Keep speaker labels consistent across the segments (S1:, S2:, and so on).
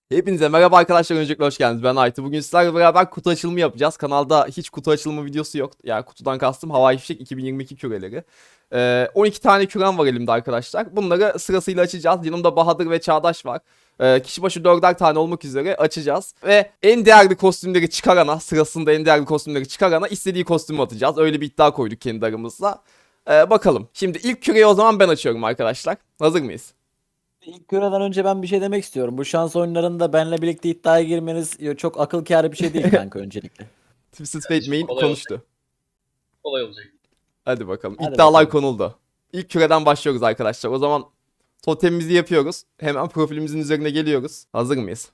S1: Hepinize merhaba arkadaşlar, öncelikle hoş geldiniz. Ben Aytu. Bugün sizlerle beraber kutu açılımı yapacağız. Kanalda hiç kutu açılımı videosu yok. Yani kutudan kastım Havai Fişek 2022 küreleri. 12 tane kürem var elimde arkadaşlar. Bunları sırasıyla açacağız. Yanımda Bahadır ve Çağdaş var. Kişi başı 4'er tane olmak üzere açacağız. Ve en değerli kostümleri çıkarana, sırasında en değerli kostümleri çıkarana istediği kostümü atacağız. Öyle bir iddia koyduk kendi aramızda. Bakalım. Şimdi ilk küreyi o zaman ben açıyorum arkadaşlar. Hazır mıyız?
S2: İlk küreden önce ben bir şey demek istiyorum. Bu şans oyunlarında benle birlikte iddiaya girmeniz çok akıl kârı bir şey değil kanka öncelikle.
S1: Twisted Fate
S3: Kardeşim
S1: Main
S3: kolay olacak.
S1: konuştu.
S3: Kolay olacak.
S1: Hadi bakalım.
S2: Hadi
S1: İddialar
S2: bakalım.
S1: konuldu. İlk küreden başlıyoruz arkadaşlar. O zaman totemimizi yapıyoruz. Hemen profilimizin üzerine geliyoruz. Hazır mıyız?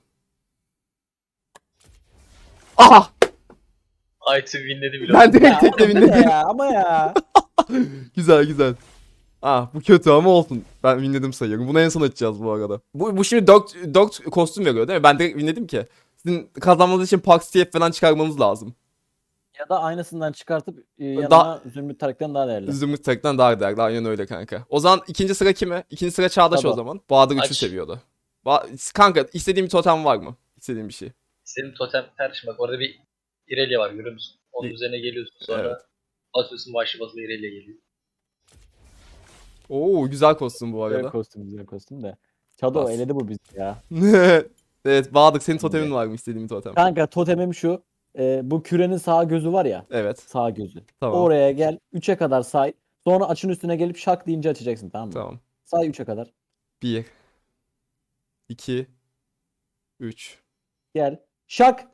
S1: Aha!
S3: Aytu winledi bile.
S1: Ben direkt
S2: Ya
S1: tekle
S2: oğlum, bu ne
S1: winledim.
S2: ya ama ya.
S1: Güzel güzel. Ah, bu kötü ama olsun. Ben winledim sayıyorum. Bunu en son açacağız bu arada. Bu şimdi 4 kostüm veriyor değil mi? Ben direkt winledim ki. Sizin kazanmanız için Pax TF falan çıkarmanız lazım.
S2: Ya da aynısından çıkartıp yanına
S1: Da
S2: Zümrüt Tarık'tan daha değerli.
S1: Zümrüt Tek'ten daha değerli. Aynen öyle kanka. O zaman ikinci sıra kime? İkinci sıra Çağdaş o
S2: Sado.
S1: zaman. Bahadır 3'ü
S3: Aç.
S1: seviyordu. Kanka, istediğin bir totem var mı? İstediğin bir şey.
S3: Senin totem kardeşim bak orada bir Irelia var görüyor musun? Onun
S1: İ-
S3: üzerine geliyorsun sonra
S1: Evet.
S3: atıyorsun başlı basılı Irelia geliyor.
S1: Oo, güzel kostüm bu
S2: Güzel
S1: arada.
S2: kostüm güzel kostüm de. Çado
S1: Bas.
S2: eledi bu bizi ya.
S1: Evet, Bahadır, senin
S2: Şimdi.
S1: totemin var mı, istediğin bir totem?
S2: Kanka totemim şu. Bu kürenin sağ gözü var ya.
S1: Evet,
S2: Sağ gözü.
S1: tamam,
S2: Oraya gel 3'e kadar say. Sonra açın üstüne gelip şak deyince açacaksın, tamam mı?
S1: tamam.
S2: Say 3'e kadar.
S1: 1, 2, 3.
S2: Gel. Şak.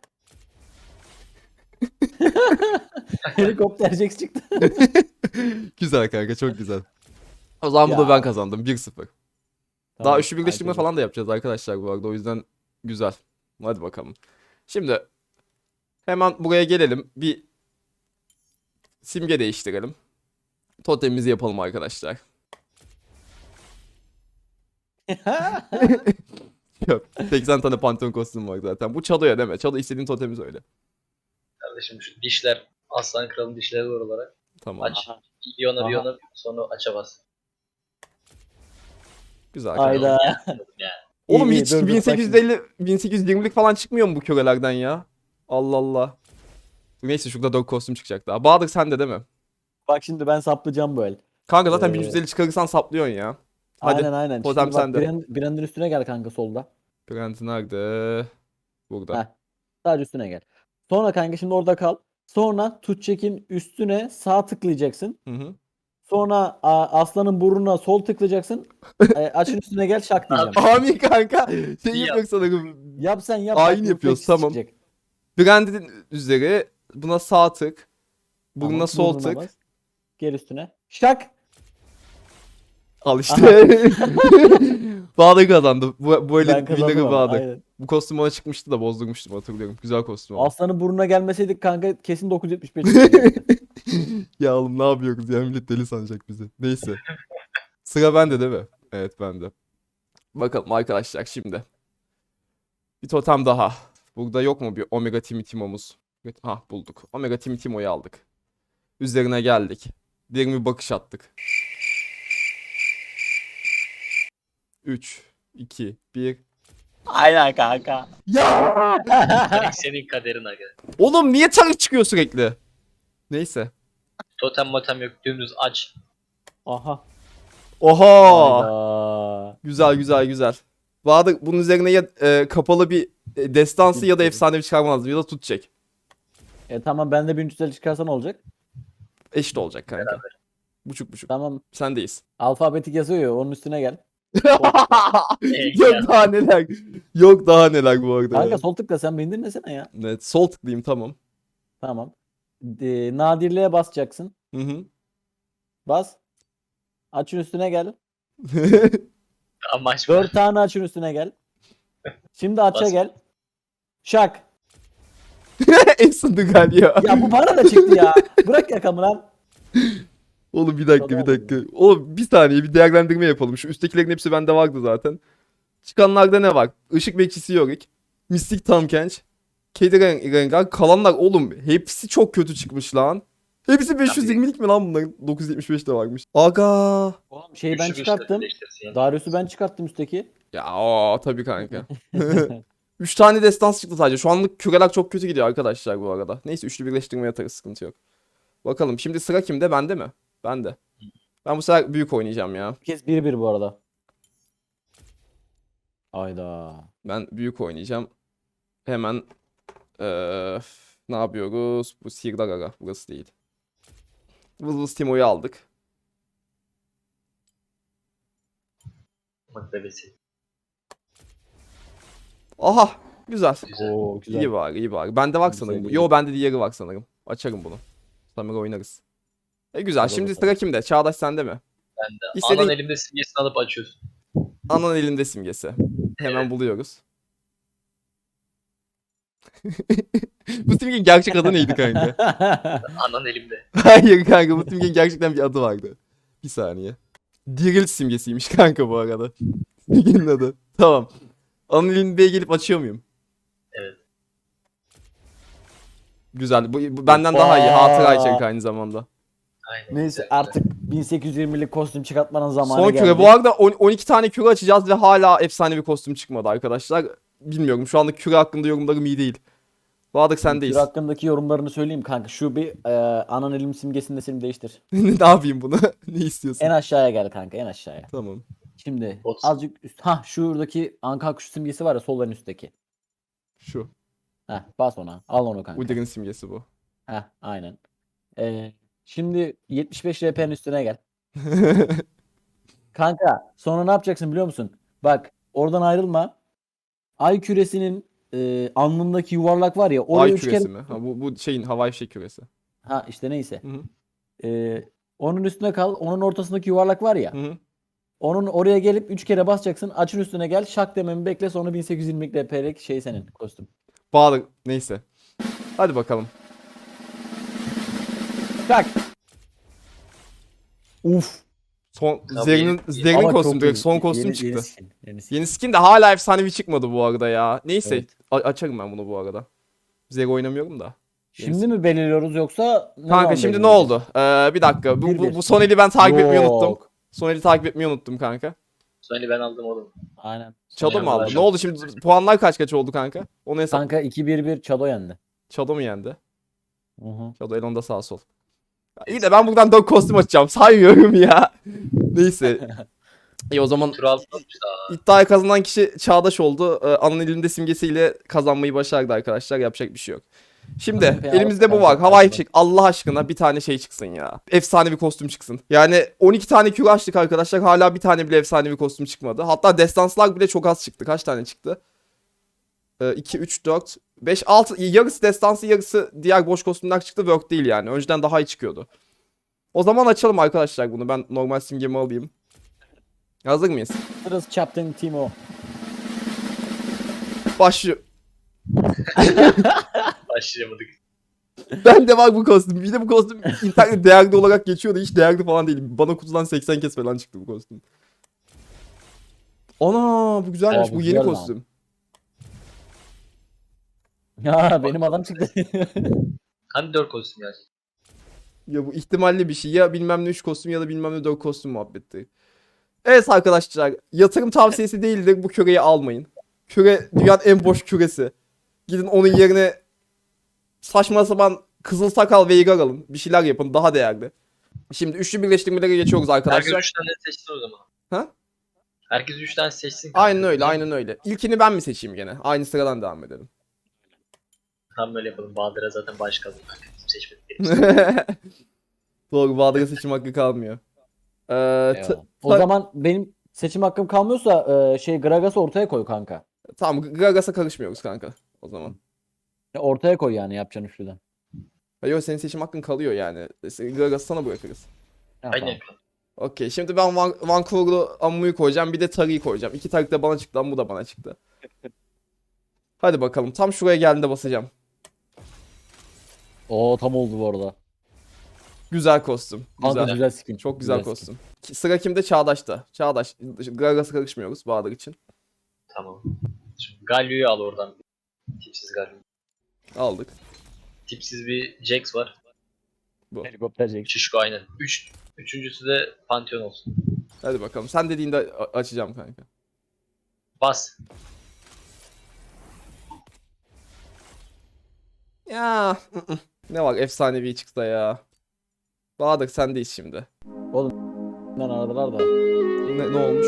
S2: Helikopter Jax çıktı.
S1: Güzel kanka, çok güzel. O zaman bu da
S2: Ya.
S1: ben kazandım, 1-0. Daha
S2: Tamam,
S1: üçlü birleştirme
S2: Aytucuğum.
S1: falan da yapacağız arkadaşlar bu arada, o yüzden güzel. Hadi bakalım. Şimdi hemen buraya gelelim. Bir simge değiştirelim. Totemimizi yapalım arkadaşlar. Yok, 80 tane Pantheon kostüm var zaten. Bu Çado'ya deme. Çado istediğin totemi söyle.
S3: Kardeşim şu dişler Aslan Kral'ın dişleri var olarak.
S1: Tamam.
S3: Aç.
S2: Aha.
S3: Yonar
S2: Aha.
S3: yonar sonra aça bas.
S1: Güzel kanka.
S2: Ayda.
S3: Yani.
S1: Oğlum
S2: İyi,
S1: hiç
S2: dur, dur, bak şimdi.
S1: 1850 1820'lik falan çıkmıyor mu bu körelerden ya? Allah Allah. Neyse, şurada 4 kostüm çıkacak daha. Bahadır sen de değil mi?
S2: Bak şimdi ben saplayacağım bu el.
S1: Kanka zaten
S2: Ee,
S1: 1150 çıkarırsan saplıyorsun ya. Hadi.
S2: aynen.
S1: Totem
S2: Şimdi bak
S1: sende.
S2: Brand'in üstüne gel kanka solda.
S1: Brent nerede? Burada.
S2: Heh. Sadece üstüne gel. Sonra kanka şimdi orada kal. Sonra Tutçek'in üstüne sağ tıklayacaksın.
S1: Hı hı.
S2: Sonra aslanın burnuna sol tıklayacaksın. Açın üstüne gel şak diyeceğim.
S1: Amin kanka. Şey
S3: İyi
S1: yapıyor sanırım.
S2: Yap sen yap.
S1: Ayin
S2: bak,
S1: yapıyoruz,
S2: refleksiz
S1: tamam.
S2: çıkacak.
S1: Brand'in üzeri. Buna sağ tık. Buna
S2: Tamam,
S1: sol
S2: burnuna
S1: tık.
S2: bas. Gel üstüne. Şak.
S1: Al işte. Bahadır kazandı. Bu elin
S2: Ben kazandım
S1: winner'ı
S2: ama,
S1: Bahadır.
S2: aynen.
S1: Bu kostüm ona çıkmıştı da bozdurmuştum, hatırlıyorum. Güzel kostüm ama.
S2: Aslanın burnuna gelmeseydik kanka kesin 975 çıkacaktı.
S1: Ya oğlum, ne yapıyoruz ya, millet deli sanacak bizi. Neyse. Sıra bende değil mi? Evet, bende. Bakalım arkadaşlar şimdi. Bir totem daha. Burada yok mu bir Omega Timo'muz? Ha, bulduk. Omega Timo'yu aldık. Üzerine geldik. Derin bir bakış attık. 3, 2, 1.
S2: Aynen kanka.
S1: Ya!
S3: Direkt senin kaderin aga.
S1: Oğlum niye tarih çıkıyor sürekli? Neyse.
S3: Totem motem yok dümdüz aç.
S2: Aha.
S1: Oha!
S2: Hayda.
S1: Güzel. Bahadır, bunun üzerine ya kapalı bir destansı ya da efsanevi çıkarman lazım, ya da tutacak.
S2: Tamam, ben de 1350 çıkarsa ne olacak?
S1: Eşit olacak kanka. Buçuk.
S2: Tamam.
S1: Sendeyiz.
S2: Alfabetik yazıyor ya, onun üstüne gel.
S1: Yok daha neler. Yok daha neler bu arada.
S2: Kanka
S1: ya.
S2: sol tıkla, sen beni dinlesene ya.
S1: Evet, sol tıklayayım, tamam.
S2: Tamam. Nadirliğe basacaksın.
S1: Hı hı.
S2: Bas. Açın üstüne gel.
S3: Amaç
S2: 4 tane açın üstüne gel. Şimdi aça
S3: Bas.
S2: gel. Şak.
S1: Eksindi galiba.
S2: Ya bu bana da çıktı ya. Bırak yakamı lan.
S1: Oğlum bir dakika. Oğlum bir saniye, bir değerlendirme yapalım. Şu üsttekilerin hepsi bende vardı zaten. Çıkanlarda ne var? Işık Bekçisi Yorick, Mistik Tamkenç, Kedi Rengar. Kalanlar oğlum hepsi çok kötü çıkmış lan. Hepsi 520'lik mi lan bunların? 975 de varmış. Aga.
S2: Oğlum şeyi ben
S3: Güçlü güçlü
S2: çıkarttım.
S3: birleştirsin yani.
S2: Darius'u ben çıkarttım üstteki.
S1: Ya o tabii kanka. 3 tane destans çıktı sadece. Şu anlık küreler çok kötü gidiyor arkadaşlar bu arada. Neyse üçlü birleştirmeye atarız, sıkıntı yok. Bakalım şimdi sıra kimde? Bende mi? Bende. Ben bu sefer büyük oynayacağım ya.
S2: Bir kez 1-1 bu arada. Ayda.
S1: Ben büyük oynayacağım. Hemen ne yapıyoruz? Bu Sirdar Aga. Burası değil. Vız vız Timo'yu aldık.
S3: Bak bebesi.
S1: Aha! Güzel.
S3: Güzel.
S2: Oo güzel.
S1: İyi var, iyi var. Bende var
S2: Güzel,
S1: sanırım. bu.
S2: iyi.
S1: Yo bende diğeri var sanırım. Açarım bunu. Samira oynarız. Güzel.
S2: Hadi
S1: Şimdi
S2: bakalım.
S1: sıra kimde? Çağdaş sende mi?
S3: Ben de.
S1: İstediğin-
S3: Anan elimde simgesini alıp açıyorsun.
S1: Anan elinde simgesi. Hemen buluyoruz. Bu simgenin gerçek adı neydi kanka?
S3: Anan elimde.
S1: Hayır kanka, bu simgenin gerçekten bir adı vardı. Bir saniye. Diril simgesiymiş kanka bu arada. Simgenin adı. Tamam. Anan elinde gelip açıyor muyum?
S3: Evet.
S1: Güzel. Bu benden daha iyi. Hatıra içerik aynı zamanda.
S3: Aynen.
S2: Neyse
S3: Güzel,
S2: artık 1820'lik kostüm çıkartmanın zamanı
S1: Son
S2: geldi.
S1: küre. Bu arada 12 tane küre açacağız ve hala efsane bir kostüm çıkmadı arkadaşlar. Bilmiyorum. Şu anda küre hakkında yorumlarım iyi değil. Bahadır sendeyiz.
S2: Küre hakkındaki yorumlarını söyleyeyim kanka. Şu bir anan elim simgesini de senin değiştir.
S1: Ne yapayım bunu? Ne istiyorsun?
S2: En aşağıya gel kanka, en aşağıya.
S1: Tamam.
S2: Şimdi
S3: Bot.
S2: azıcık üst. Ha şuradaki anka kuş simgesi var ya, sol en üstteki.
S1: Şu.
S2: Heh, bas ona. Al onu kanka.
S1: Udir'in simgesi bu.
S2: Heh, aynen. Şimdi 75 RP'nin üstüne gel. Kanka sonra ne yapacaksın biliyor musun? Bak oradan ayrılma. Ay küresinin alnındaki yuvarlak var ya, oraya
S1: Ay
S2: 3
S1: küresi
S2: kere.
S1: mi? Ha, bu şeyin havai fişek küresi.
S2: Ha işte neyse.
S1: Hı hı.
S2: Onun üstüne kal. Onun ortasındaki yuvarlak var ya.
S1: Hı hı.
S2: Onun oraya gelip 3 kere basacaksın. Açın üstüne gel. Şak dememi bekle. Sonra 1820 RP'lik şey senin kostüm.
S1: Bahadır neyse. Hadi bakalım.
S2: Şak. Uf.
S1: Son
S3: Tabii,
S1: Zerrin'in
S2: Ama
S1: kostüm
S2: çok
S1: direkt
S2: iyi.
S1: son kostüm
S2: Yeni
S1: çıktı.
S2: skin. Yeni skin.
S1: Yeni skin de hala efsanevi çıkmadı bu arada ya. Neyse
S2: Evet.
S1: açarım ben bunu bu arada. Zero oynamıyorum da.
S2: Şimdi mi belirliyoruz yoksa ne
S1: Kanka
S2: zaman
S1: şimdi ne
S2: belirleyeceğiz?
S1: oldu? Bir dakika. Bu, bu,
S2: 1-1.
S1: bu son eli ben takip etmeyi unuttum.
S2: Yok.
S1: Son eli takip etmeyi unuttum kanka.
S3: Sonra ben aldım oğlum.
S2: Aynen.
S1: Çado mu aldı?
S3: Yanlar.
S1: Ne oldu şimdi? Puanlar kaç oldu kanka? Onu hesap.
S2: Kanka 2-1-1 Çado yendi.
S1: Çado mu yendi?
S2: Hı hı.
S1: Çado Elon'da sağ sol. İyi de ben buradan 4 kostüm açacağım. Saymıyorum ya. Neyse. İyi o zaman
S3: Tur altı atmıştı.
S1: iddiayı kazanan kişi Çağdaş oldu. Anın elinde simgesiyle kazanmayı başardı arkadaşlar. Yapacak bir şey yok. Şimdi
S2: Kanka,
S1: elimizde bu
S2: kanka,
S1: var. Havai
S2: kanka.
S1: fişek. Allah aşkına bir tane şey çıksın ya. Efsane bir kostüm çıksın. Yani 12 tane küre açtık arkadaşlar. Hala bir tane bile efsane bir kostüm çıkmadı. Hatta destanslar bile çok az çıktı. Kaç tane çıktı? 2, 3, 4, 5, 6. Yarısı destansı, yarısı diğer boş kostümler çıktı. Work değil yani. Önceden daha iyi çıkıyordu. O zaman açalım arkadaşlar bunu. Ben normal simgemi alayım. Hazır mıyız?
S2: Sırası Captain Timo.
S1: Başlıyor.
S3: Başlayamadık.
S1: Ben de var bu kostüm. Bir de bu kostüm internette değerli olarak geçiyordu. Hiç değerli falan değil. Bana kutudan 80 kez falan çıktı bu kostüm. Ana bu güzelmiş.
S2: Aa,
S1: Bu
S2: bu
S1: yeni
S2: güzel lan.
S1: kostüm.
S2: Ya benim adam çıktı.
S3: Hani 4 kostüm ya.
S1: Ya bu ihtimalli bir şey. Ya bilmem ne 3 kostüm ya da bilmem ne 4 kostüm muhabbeti. Evet arkadaşlar. Yatırım tavsiyesi değildir. Bu küreyi almayın. Küre dünyanın en boş küresi. Gidin onun yerine saçma sapan kızıl sakal Veigar alın. Bir şeyler yapın. Daha değerli. Şimdi üçlü birleştirmelere geçiyoruz
S3: Herkes
S1: arkadaşlar.
S3: 3 tane seçsin o zaman.
S1: Ha?
S3: Herkes 3 tane seçsin. kanka.
S1: Aynen öyle, aynen öyle. İlkini ben mi seçeyim gene? Aynı sıradan devam edelim.
S3: Tam böyle yapalım. Bahadır'a zaten baş kaldı. Bizim seçmedik.
S1: Doğru, Bahadır'a seçim hakkı kalmıyor.
S2: Eyvallah. O zaman benim seçim hakkım kalmıyorsa Gragas'ı ortaya koy kanka.
S1: Tamam, Gragas'a karışmıyoruz kanka o zaman.
S2: Ortaya koy yani yapacağın üçlüden.
S1: Yok, senin seçim hakkın kalıyor yani. Gragas'ı sana bırakırız.
S2: Ha,
S3: Aynen.
S2: tamam.
S1: Okey, şimdi ben Vancouver'lu Ammu'yu koyacağım. Bir de Tari'yi koyacağım. İki Tari de bana çıktı ama bu da bana çıktı. Hadi bakalım. Tam şuraya geldiğinde basacağım.
S2: Oo tam oldu bu arada.
S1: Güzel kostüm.
S2: Kanka
S1: Güzel.
S2: güzel skin.
S1: Çok güzel
S2: skin.
S1: kostüm. Sıra kimde? Çağdaş'ta. Çağdaş. Gragas'a karışmıyoruz Bahadır için.
S3: Tamam. Şimdi Galio'yu al oradan. Tipsiz Galio.
S1: Aldık.
S3: Tipsiz bir Jax var.
S2: Helikopter Jack.
S3: Şişko aynen. Üçüncüsü de Pantheon olsun.
S1: Hadi bakalım. Sen dediğinde açacağım kanka.
S3: Bas.
S1: Ya ne var efsanevi çıksa ya. Bahadır sendeyiz şimdi.
S2: Ben aradılar da.
S1: Ne olmuş?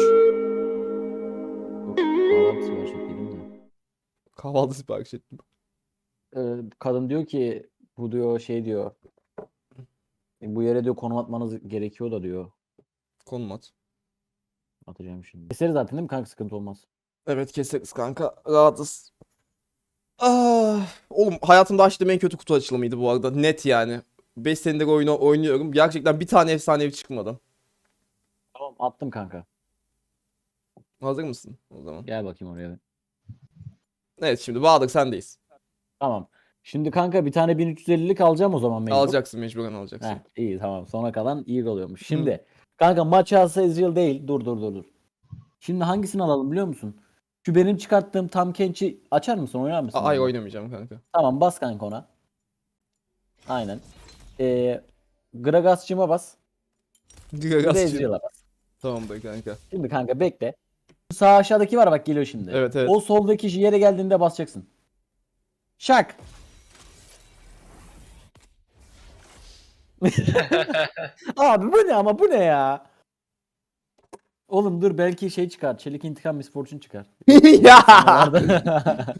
S2: Kahvaltı sipariş ettiydim de.
S1: Kahvaltı sipariş ettim.
S2: Kadın diyor ki bu diyor şey diyor. Bu yere diyor konum atmanız gerekiyor da diyor.
S1: Konum at.
S2: Atacağım şimdi. Keseriz zaten değil mi kanka, sıkıntı olmaz.
S1: Evet keseriz kanka. Rahatız. Ah, oğlum hayatımda açtığım en kötü kutu açılımıydı bu arada. Net yani. 5 senedir oyunu oynuyorum. Gerçekten bir tane efsanevi çıkmadı.
S2: Tamam, attım kanka.
S1: Hazır mısın o zaman?
S2: Gel bakayım oraya.
S1: Evet şimdi Bahadır sendeyiz.
S2: Tamam. Şimdi kanka bir tane 1350'lik alacağım o zaman mecbur.
S1: Alacaksın mecburen alacaksın.
S2: Heh, iyi tamam. Sona kalan iyi oluyormuş. Şimdi kanka maç alsa Ezreal değil. Dur. Şimdi hangisini alalım biliyor musun? Şu benim çıkarttığım Tam Kench'i açar mısın? Oynar mısın?
S1: Ay
S2: benimle?
S1: oynamayacağım kanka.
S2: Tamam, bas kanka ona. Aynen. Gragas'cıma bas. Bir de
S1: Gragasçı.
S2: Ezreal'a bas.
S1: Tamamdır kanka.
S2: Şimdi kanka bekle. Sağ aşağıdaki var bak, geliyor şimdi.
S1: Evet.
S2: O soldaki yere geldiğinde basacaksın. Şak. Abi bu ne, ama bu ne ya? Oğlum dur, belki şey çıkar. Çelik İntikam Miss Fortune çıkar.
S1: Ya.
S2: Vardı.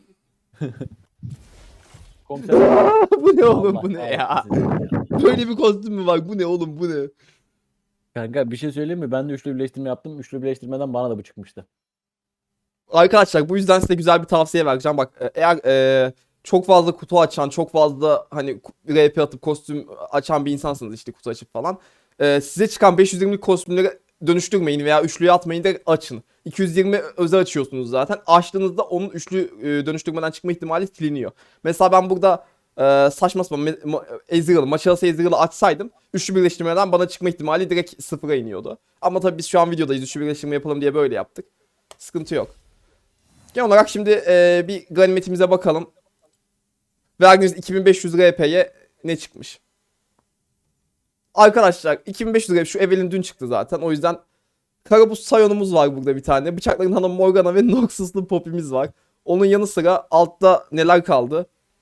S2: Komiser.
S1: Bu ne oğlum
S2: Allah
S1: bu ne ya?
S2: kahretsin.
S1: Böyle bir kostüm mü var? Bu ne oğlum bu ne?
S2: Kanka bir şey söyleyeyim mi? Ben de üçlü birleştirme yaptım. Üçlü birleştirmeden bana da bu çıkmıştı.
S1: Arkadaşlar bu yüzden size güzel bir tavsiye vereceğim. Bak eğer çok fazla kutu açan, çok fazla hani RP atıp kostüm açan bir insansınız işte kutu açıp falan. Size çıkan 520 kostümleri dönüştürmeyin veya üçlüye atmayın da açın. 220 özel açıyorsunuz zaten. Açtığınızda onun üçlü dönüştürmeden çıkma ihtimali siliniyor. Mesela ben burada saçma sapan Ezreal'ı, maç arası Ezreal'ı açsaydım üçlü birleştirmeden bana çıkma ihtimali direkt sıfıra iniyordu. Ama tabii biz şu an videodayız, üçlü birleştirme yapalım diye böyle yaptık. Sıkıntı yok. Genel olarak şimdi bir ganimetimize bakalım. Verdiğiniz 2500 RP'ye ne çıkmış? Arkadaşlar 2500 RP şu Evelyn dün çıktı zaten. O yüzden Karabuz Sayon'umuz var burada bir tane. Bıçakların Hanım Morgana ve Noxus'lu Poppy'miz var. Onun yanı sıra altta neler kaldı?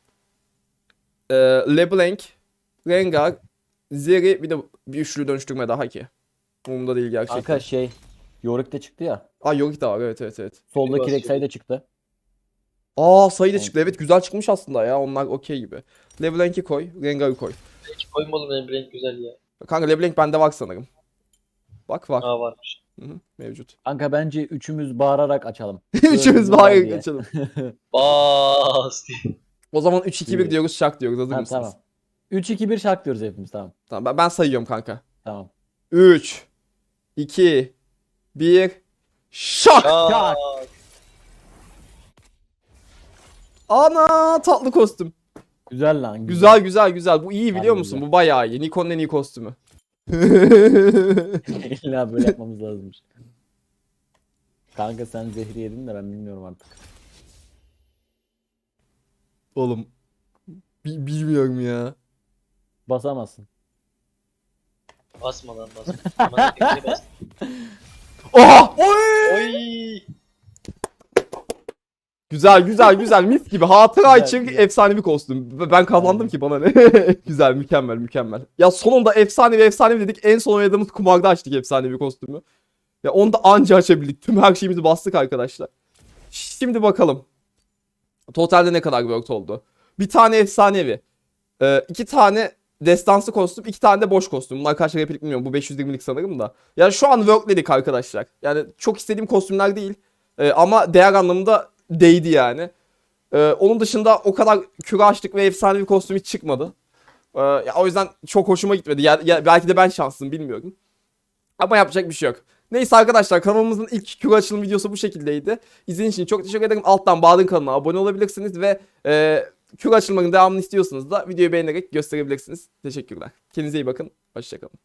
S1: LeBlanc, Rengar, Zeri, bir de bir üçlü dönüştürme daha ki. Umurumda değil gerçekten.
S2: Kanka şey, Yorick de çıktı ya.
S1: Yorick de var, evet.
S2: Soldaki
S3: basıyor.
S2: Rek'Sai de çıktı.
S1: Sayı da
S2: Evet.
S1: çıktı. Evet güzel çıkmış aslında ya. Onlar okey gibi. LeBlanc'i koy. Rengar'ı koy.
S3: Hiç koymadım, benim renk güzel ya.
S1: Kanka LeBlanc bende var sanırım. Bak var.
S3: Aa, varmış.
S1: Hı, mevcut.
S2: Kanka bence üçümüz bağırarak açalım.
S1: Üçümüz
S2: Dördümüz var
S1: bağırarak
S2: diye.
S1: açalım.
S3: Bas diye.
S1: O zaman 3-2-1
S2: İyi.
S1: diyoruz, şak diyoruz. Hazır
S2: Ha,
S1: mısınız?
S2: tamam. 3-2-1 şark diyoruz hepimiz, tamam.
S1: Tamam ben sayıyorum kanka.
S2: Tamam.
S1: 3 2 1 şak!
S3: Şak.
S1: Ana tatlı kostüm.
S2: Güzel lan.
S1: Güzel. Bu iyi biliyor
S2: Harbi
S1: musun?
S2: güzel.
S1: Bu bayağı iyi. Nikon'un en iyi kostümü.
S2: İlla böyle yapmamız lazımmış. Kanka sen zehri yedin de ben bilmiyorum artık.
S1: Oğlum. Bilmiyorum ya.
S2: Basamazsın.
S3: Basma lan, basma. Aman tekini bas.
S1: Oha! Oy!
S3: Oy.
S1: Güzel mis gibi. Hatıra
S2: Güzel,
S1: için
S2: güzel.
S1: efsane bir kostüm. Ben kazandım
S2: Aynen.
S1: ki bana ne. Güzel, mükemmel. Ya sonunda efsane dedik. En son oynadığımız kumarda açtık efsane bir kostümü. Ya onu da anca açabildik. Tüm her şeyimizi bastık arkadaşlar. Şimdi bakalım. Totalde ne kadar worked oldu? Bir tane efsanevi. 2 tane destansı kostüm, 2 tane de boş kostüm. Bunlar kaç replik bilmiyorum. Bu 520'lik sanırım da. Yani şu an workledik arkadaşlar. Yani çok istediğim kostümler değil. Ama değer anlamında değdi yani. Onun dışında o kadar küre açtık ve efsane bir kostüm hiç çıkmadı. Ya, o yüzden çok hoşuma gitmedi. Belki de ben şanslıyım bilmiyorum. Ama yapacak bir şey yok. Neyse arkadaşlar, kanalımızın ilk küre açılım videosu bu şekildeydi. İzlediğiniz için çok teşekkür ederim. Alttan Bahadır'ın kanalına abone olabilirsiniz ve küre açılmanın devamını istiyorsanız da videoyu beğenerek gösterebilirsiniz. Teşekkürler. Kendinize iyi bakın. Hoşçakalın.